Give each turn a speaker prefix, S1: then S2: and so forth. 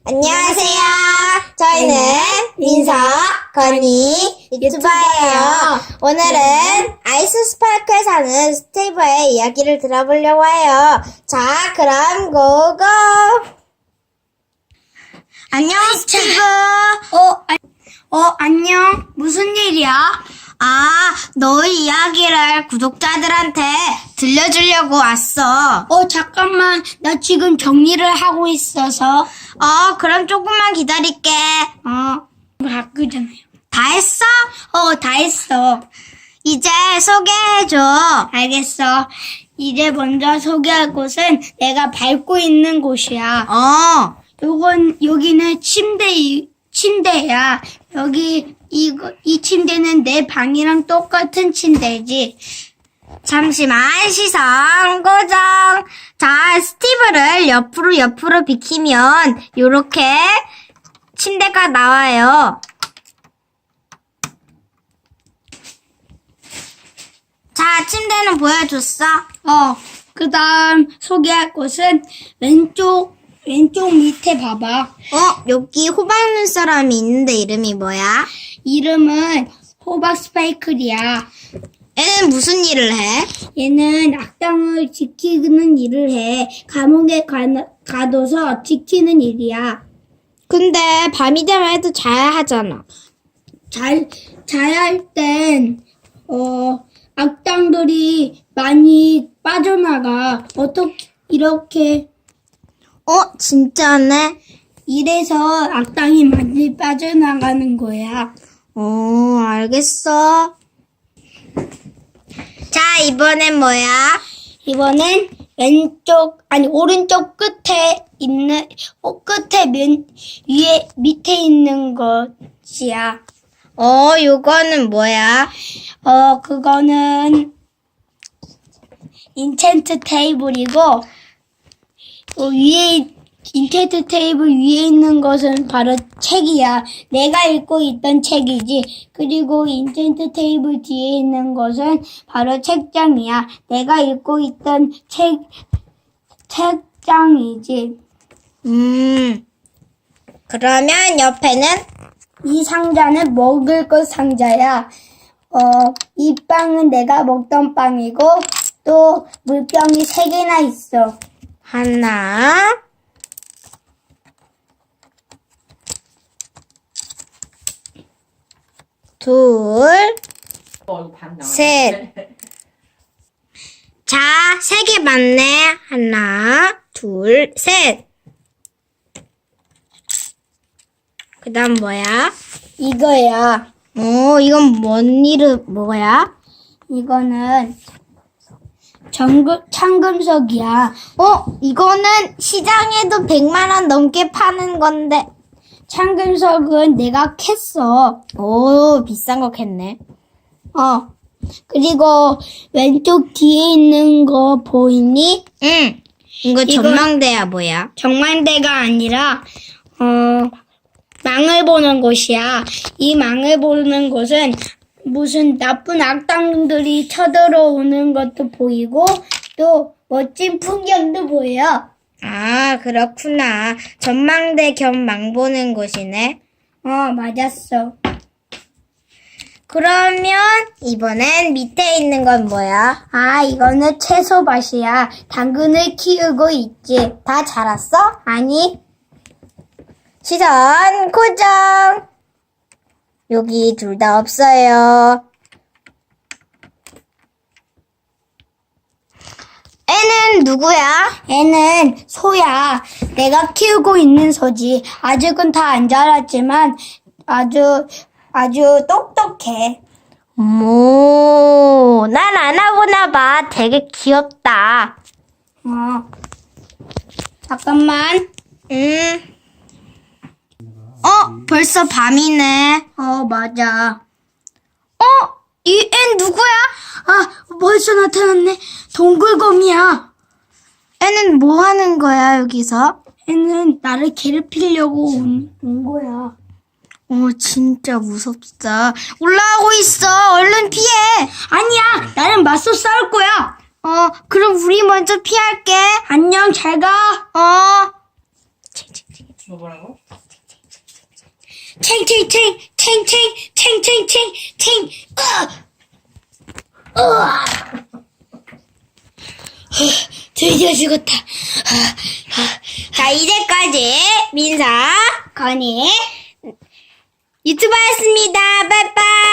S1: 안녕하세요. 저희는 민서, 건이 유튜버예요. 오늘은 아이스 스파크에 사는 스티브의 이야기를 들어보려고 해요. 자, 그럼 고고! 안녕, 스티브.
S2: 안녕. 무슨 일이야?
S1: 너의 이야기를 구독자들한테 들려주려고 왔어.
S2: 잠깐만. 나 지금 정리를 하고 있어서.
S1: 그럼 조금만 기다릴게.
S2: 바꾸잖아요.
S1: 다 했어?
S2: 다 했어.
S1: 이제 소개해줘.
S2: 알겠어. 이제 먼저 소개할 곳은 내가 밟고 있는 곳이야. 여기는 침대야. 이 침대는 내 방이랑 똑같은 침대지.
S1: 잠시만 시선 고정. 자, 스티브를 옆으로 비키면 요렇게 침대가 나와요. 자, 침대는 보여줬어.
S2: 그 다음 소개할 곳은 왼쪽 밑에 봐봐.
S1: 여기 호박 눈사람이 있는데 이름이 뭐야?
S2: 이름은 호박 스파이클이야.
S1: 얘는 무슨 일을 해?
S2: 얘는 악당을 지키는 일을 해. 감옥에 가둬서 지키는 일이야.
S1: 근데 밤이 되면 애도 자야 하잖아.
S2: 자야 할 땐, 악당들이 많이 빠져나가. 어떻게, 이렇게.
S1: 진짜네?
S2: 이래서 악당이 많이 빠져나가는 거야.
S1: 알겠어. 자, 이번엔 뭐야?
S2: 이번엔 오른쪽 끝에 있는, 밑에 있는 것이야.
S1: 요거는 뭐야?
S2: 그거는 인챈트 테이블이고, 인챈트 테이블 위에 있는 것은 바로 책이야. 내가 읽고 있던 책이지. 그리고 인챈트 테이블 뒤에 있는 것은 바로 책장이야. 내가 읽고 있던 책장이지.
S1: 그러면 옆에는?
S2: 이 상자는 먹을 것 상자야. 이 빵은 내가 먹던 빵이고, 또 물병이 3개나 있어.
S1: 하나, 둘, 셋. 자, 3개 맞네. 하나, 둘, 셋. 그 다음 뭐야?
S2: 이거야.
S1: 이건 뭐야?
S2: 이거는 참금속이야.
S1: 이거는 시장에도 100만 원 넘게 파는 건데.
S2: 참금속은 내가 캤어.
S1: 비싼 거 캤네.
S2: 그리고 왼쪽 뒤에 있는 거 보이니?
S1: 응. 이거 전망대야, 뭐야?
S2: 정만대가 아니라 망을 보는 곳이야. 이 망을 보는 곳은 무슨 나쁜 악당들이 쳐들어오는 것도 보이고 또 멋진 풍경도 보여.
S1: 그렇구나. 전망대 겸 망 보는 곳이네.
S2: 맞았어.
S1: 그러면 이번엔 밑에 있는 건 뭐야?
S2: 이거는 채소밭이야. 당근을 키우고 있지.
S1: 다 자랐어?
S2: 아니,
S1: 시선 고정. 여기 둘 다 없어요. 애는 누구야?
S2: 얘는 소야. 내가 키우고 있는 소지. 아직은 다 안 자랐지만 아주 똑똑해.
S1: 난 안 와보나 봐. 되게 귀엽다.
S2: 잠깐만.
S1: 벌써 밤이네.
S2: 맞아.
S1: 이 애 누구야?
S2: 벌써 나타났네. 동굴곰이야.
S1: 애는 뭐 하는 거야, 여기서?
S2: 얘는 나를 괴롭히려고 온 거야.
S1: 진짜 무섭다. 올라가고 있어. 얼른 피해.
S2: 아니야, 나는 맞서 싸울 거야.
S1: 그럼 우리 먼저 피할게.
S2: 안녕, 잘 가.
S3: 뭐라고?
S2: 챙챙챙 챙챙 챙챙챙 챙 드디어 죽었다.
S1: 자, 이제까지 민사
S2: 건이
S1: 유튜버였습니다. 빠이빠이.